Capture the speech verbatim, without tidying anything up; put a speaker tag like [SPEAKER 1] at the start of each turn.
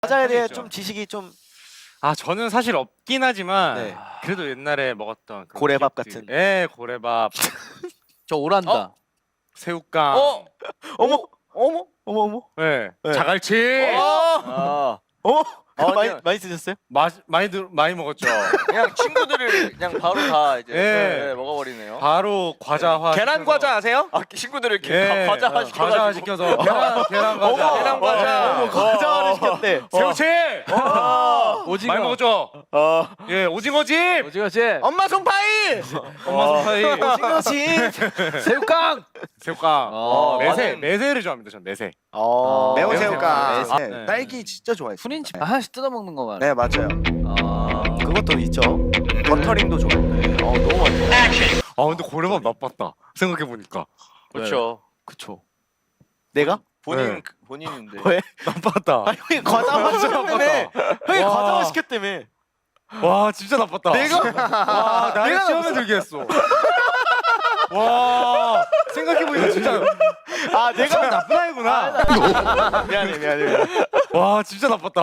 [SPEAKER 1] 과자에 대해
[SPEAKER 2] 하겠죠.
[SPEAKER 1] 좀 지식이 좀
[SPEAKER 2] 아 저는 사실 없긴 하지만
[SPEAKER 1] 네.
[SPEAKER 2] 그래도 옛날에 먹었던 그런
[SPEAKER 1] 고래밥
[SPEAKER 2] 기억들이-
[SPEAKER 1] 같은.
[SPEAKER 2] 예 고래밥
[SPEAKER 3] 저 오란다.
[SPEAKER 2] 어? 새우깡
[SPEAKER 3] 어?
[SPEAKER 1] 어머
[SPEAKER 3] 어머?
[SPEAKER 1] 어머 어머
[SPEAKER 2] 예
[SPEAKER 1] 네.
[SPEAKER 2] 자갈치
[SPEAKER 3] 아.
[SPEAKER 1] 어머
[SPEAKER 3] 아,
[SPEAKER 1] 많이
[SPEAKER 3] 그냥-
[SPEAKER 1] 많이 드셨어요?
[SPEAKER 2] 마, 많이 들, 많이 먹었죠.
[SPEAKER 3] 그냥 친구들을 그냥 바로 다 이제
[SPEAKER 2] 예.
[SPEAKER 3] 네, 먹어버리네요.
[SPEAKER 2] 바로 과자화
[SPEAKER 3] 계란
[SPEAKER 2] 시켜서-
[SPEAKER 3] 과자 아세요? 아 친구들을 이렇게
[SPEAKER 2] 예,
[SPEAKER 3] 가- 과자화
[SPEAKER 2] 어,
[SPEAKER 3] 시켜가지고
[SPEAKER 2] 과자화 시켜서 계란 계란 과자
[SPEAKER 3] 어머, 계란 과자.
[SPEAKER 1] 어머 과자를 시켰대.
[SPEAKER 2] 새우치
[SPEAKER 3] 오징어.
[SPEAKER 2] 많이 먹었죠.
[SPEAKER 3] 어.
[SPEAKER 2] 예 오징어집
[SPEAKER 3] 오징어지. 엄마 손파이.
[SPEAKER 2] 엄마 손파이
[SPEAKER 1] 오징어집.
[SPEAKER 3] 새우깡.
[SPEAKER 2] 새우깡
[SPEAKER 3] 어,
[SPEAKER 2] 매세
[SPEAKER 3] 많은-
[SPEAKER 2] 매세를 좋아합니다. 전 매세.
[SPEAKER 1] 어.
[SPEAKER 4] 매운
[SPEAKER 2] 매운
[SPEAKER 4] 새우깡.
[SPEAKER 2] 새우깡.
[SPEAKER 4] 네.
[SPEAKER 2] 네.
[SPEAKER 4] 딸기 진짜 좋아해요.
[SPEAKER 3] 후린칩 하나씩 뜯어 먹는 거 말이야.
[SPEAKER 4] 네 맞아요.
[SPEAKER 3] 아.
[SPEAKER 1] 그것도 있죠.
[SPEAKER 4] 버터링도 좋아해요.
[SPEAKER 1] 어 너무 맛있어.
[SPEAKER 2] 아 근데 고래밥 나빴다. 생각해 보니까
[SPEAKER 3] 그렇죠.
[SPEAKER 1] 그쵸. 내가?
[SPEAKER 3] 본인
[SPEAKER 2] 네.
[SPEAKER 3] 그- 본인인데.
[SPEAKER 1] 왜?
[SPEAKER 2] 나빴다.
[SPEAKER 1] 아 형이 과자만 시켰다며. 형이
[SPEAKER 2] 와.
[SPEAKER 1] 과자만 시켰다며.
[SPEAKER 2] 와 진짜 나빴다.
[SPEAKER 1] 내가?
[SPEAKER 2] 와 나를
[SPEAKER 1] 내가
[SPEAKER 2] 시험에 들게 했어. 와 생각해 보니까 진짜
[SPEAKER 1] 아 내가
[SPEAKER 2] 나쁜 아이구나.
[SPEAKER 1] 미안해 미안해 미안해.
[SPEAKER 2] 와 진짜 나빴다.